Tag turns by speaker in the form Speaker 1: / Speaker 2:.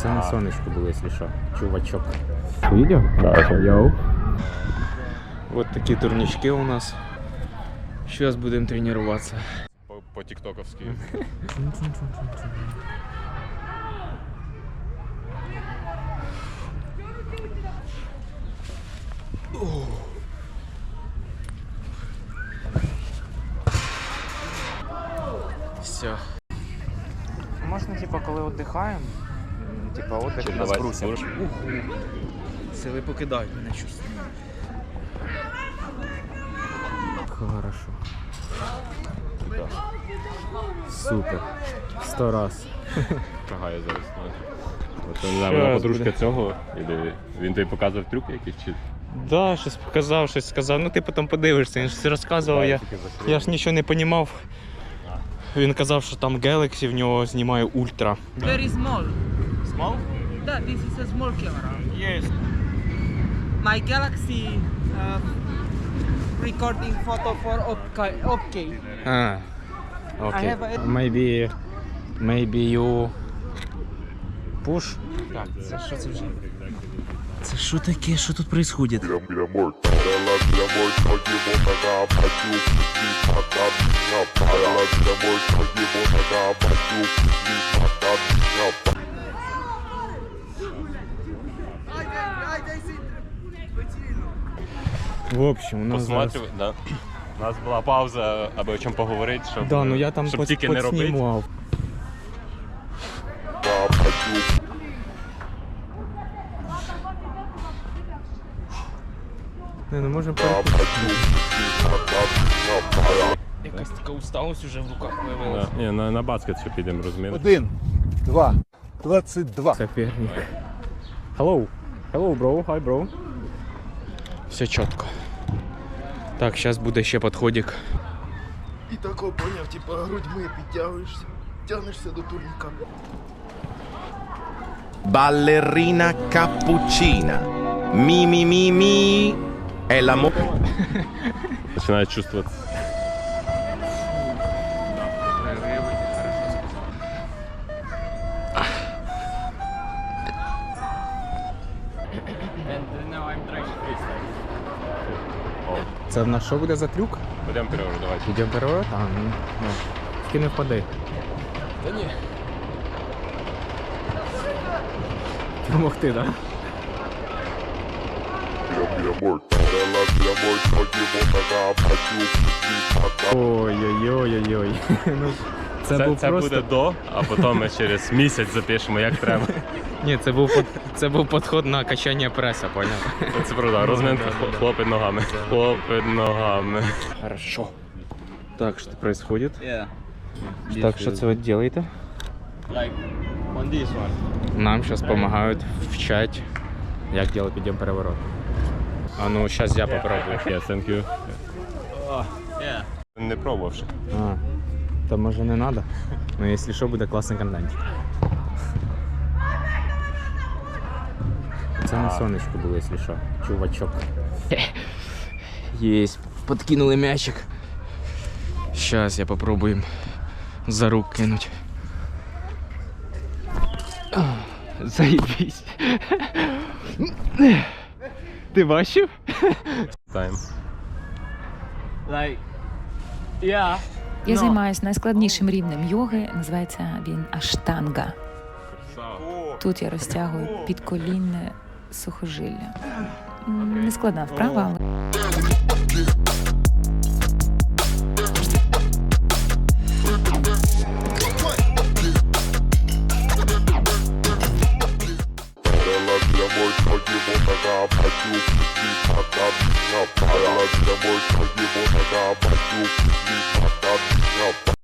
Speaker 1: Це на сонечку було, якщо що, чувачок. Видео?
Speaker 2: Да.
Speaker 1: Йоу. Вот такі турнички у нас. Сейчас будем тренироваться.
Speaker 2: По-тиктоковски.
Speaker 1: Все. Можна, типа, коли віддихаємо, типа, отдих нас брусять. Сили покидають мене чувствую. Хорошо. Супер. 100 раз.
Speaker 2: Шагає зараз. От, не знаю, вона подружка цього, він тобі показував трюки якісь чи?
Speaker 1: Да, щось показав, щось сказав. Ну ти потім подивишся, він щось розказував, я ж нічого не розумів. Він казав, що там Galaxy в нього знімає ультра.
Speaker 3: Very small.
Speaker 1: Small?
Speaker 3: Yeah, this is a small camera.
Speaker 1: Yes.
Speaker 3: My Galaxy recording photo for okay.
Speaker 1: А, окей.
Speaker 3: I have
Speaker 1: Maybe you push? Так, це що це вже? Це що таке? Що тут відбувається? В общем, у нас зараз...
Speaker 2: Да. У нас була пауза, аби о чому поговорити, щоб,
Speaker 1: Да, ну я там
Speaker 2: щоб тільки не робити.
Speaker 1: підснімав. Не можемо якась така усталость вже в руках виявилася.
Speaker 2: Да. Ні, на баскет ще підемо, розумієш?
Speaker 4: 1, 2, 22.
Speaker 1: Соперник. Hello. Hello, bro. Hi, bro. Все чітко. Так, зараз буде ще підходик.
Speaker 4: І тако поняв, типа грудьми підтягуєшся, тягнешся до турніка.
Speaker 5: Ballerina cappuccina. Mi. È l'amore.
Speaker 2: Починає чувствувати.
Speaker 1: Це в нас що буде за трюк?
Speaker 2: Будемо переворот, давайте.
Speaker 1: Йдемо переворот? А, ну. Тільки не впади.
Speaker 2: Та ні.
Speaker 1: Помогти, так? Ой-ой-ой-ой-ой. Ну, це був
Speaker 2: Це
Speaker 1: просто...
Speaker 2: буде до, а потім ми через місяць запишемо, як треба.
Speaker 1: Ні, це був підход на качання преса, поняв?
Speaker 2: Це правда, розминка хлопить ногами. Хлопить ногами.
Speaker 1: Хорошо. Так, що происходит?
Speaker 6: Yeah.
Speaker 1: Так, що це ви робите?
Speaker 6: Like on this one.
Speaker 1: Нам зараз допомагають вчать, як робити підйом переворот. А ну, зараз я попробую.
Speaker 2: Yeah, thank you.
Speaker 6: Yeah.
Speaker 2: Не пробував ще.
Speaker 1: А, то може не треба? Ну, якщо що, буде класний контентик. Це на сонечку було, якщо що, чувачок. Єсть, подкинули м'ячик. Зараз я попробую за рук кинуть. Заебись. Ти бачив?
Speaker 2: Тайм.
Speaker 6: Like, yeah.
Speaker 7: Я займаюся найскладнішим рівнем йоги, називається він аштанга. Тут я розтягую підколінне сухожилля. Нескладна вправа, але...